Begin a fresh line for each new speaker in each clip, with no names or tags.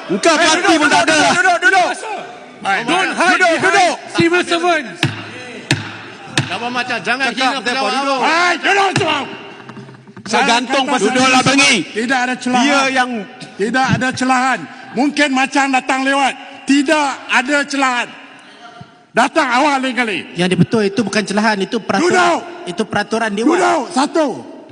Engkau parti pun tak ada.
Duduk.
Don't hide behind civil servants.
Apa macam jangan hina pejabat awam.
Duduk semua.
Saya gantung pasal
Duduklah bengi.
Tidak ada celahan.
Dia yang tidak ada celahan. Mungkin macam datang lewat. Tidak ada celahan. Datang awal lain kali.
Yang betul itu bukan celahan, itu peraturan.
Duduk.
Itu peraturan dewan.
Duduk. Satu.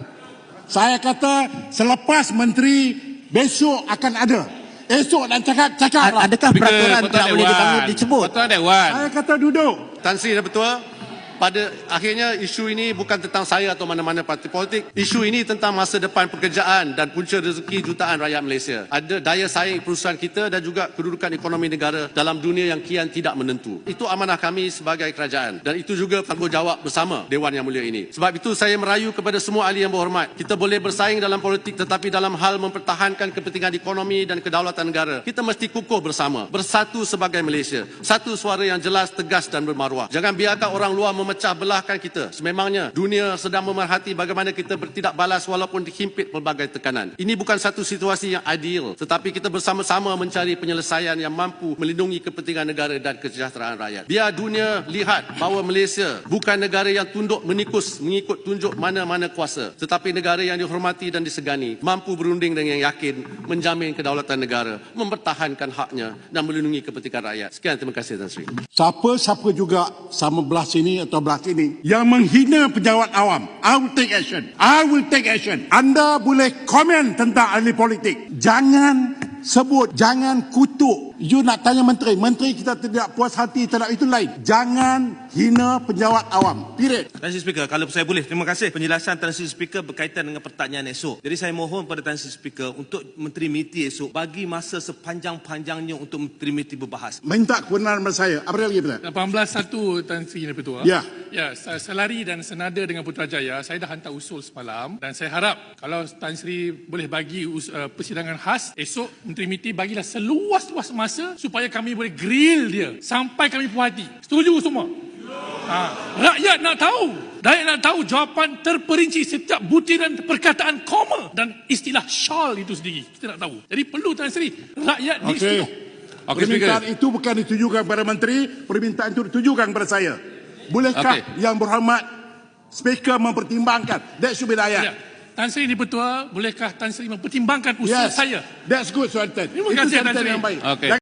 Saya kata selepas menteri besok akan ada. Esok nak cakap.
Adakah peraturan tidak boleh disebut?
Peraturan Dewan.
Saya kata duduk.
Tan Sri dah betul. Pada akhirnya isu ini bukan tentang saya atau mana-mana parti politik. Isu ini tentang masa depan pekerjaan dan punca rezeki jutaan rakyat Malaysia. Ada daya saing perusahaan kita dan juga kedudukan ekonomi negara dalam dunia yang kian tidak menentu. Itu amanah kami sebagai kerajaan dan itu juga tanggungjawab bersama Dewan Yang Mulia ini. Sebab itu saya merayu kepada semua ahli yang berhormat. Kita boleh bersaing dalam politik tetapi dalam hal mempertahankan kepentingan ekonomi dan kedaulatan negara, kita mesti kukuh bersama, bersatu sebagai Malaysia. Satu suara yang jelas, tegas dan bermaruah. Jangan biarkan orang luar memecah belahkan kita. Sememangnya dunia sedang memerhati bagaimana kita bertindak balas walaupun dihimpit pelbagai tekanan. Ini bukan satu situasi yang ideal, tetapi kita bersama-sama mencari penyelesaian yang mampu melindungi kepentingan negara dan kesejahteraan rakyat. Biar dunia lihat bahawa Malaysia bukan negara yang tunduk menikus mengikut tunjuk mana-mana kuasa, tetapi negara yang dihormati dan disegani, mampu berunding dengan yakin menjamin kedaulatan negara, mempertahankan haknya dan melindungi kepentingan rakyat. Sekian, terima kasih Tan Sri.
Siapa juga sama belah sini atau belah sini yang menghina pejabat awam, I will take action. I will take action. Anda boleh komen tentang ahli politik. Jangan sebut, jangan kutuk. You nak tanya menteri, menteri kita tidak puas hati terhadap itu lain. Jangan hina pejabat awam. Period.
Tan Sri Speaker, kalau saya boleh, terima kasih penjelasan Tan Sri Speaker berkaitan dengan pertanyaan esok. Jadi saya mohon pada Tan Sri Speaker untuk Menteri MITI esok bagi masa sepanjang-panjangnya untuk Menteri MITI berbahas.
Minta kebenaran pada saya. Apa dia lagi benar?
18.1 Tan Sri Ketua.
Ya.
Ya, selari dan senada dengan Putrajaya, saya dah hantar usul semalam dan saya harap kalau Tan Sri boleh bagi persidangan khas esok, Menteri MITI bagilah seluas-luas masa supaya kami boleh grill dia sampai kami puas hati. Setuju semua? Rakyat nak tahu. Rakyat nak tahu jawapan terperinci setiap butiran perkataan koma dan istilah syal itu sendiri. Kita nak tahu. Jadi perlu Tan Sri, rakyat disetujui.
Permintaan itu bukan ditujukan kepada menteri, permintaan itu ditujukan kepada saya. Bolehkah yang berhormat Speaker mempertimbangkan? That should be the ayat.
Ya. Tan Sri Dipertua, bolehkah Tan Sri mempertimbangkan usul saya?
That's good, Sultan.
Terima kasih, Tan Sri.
Yang baik.
Okay.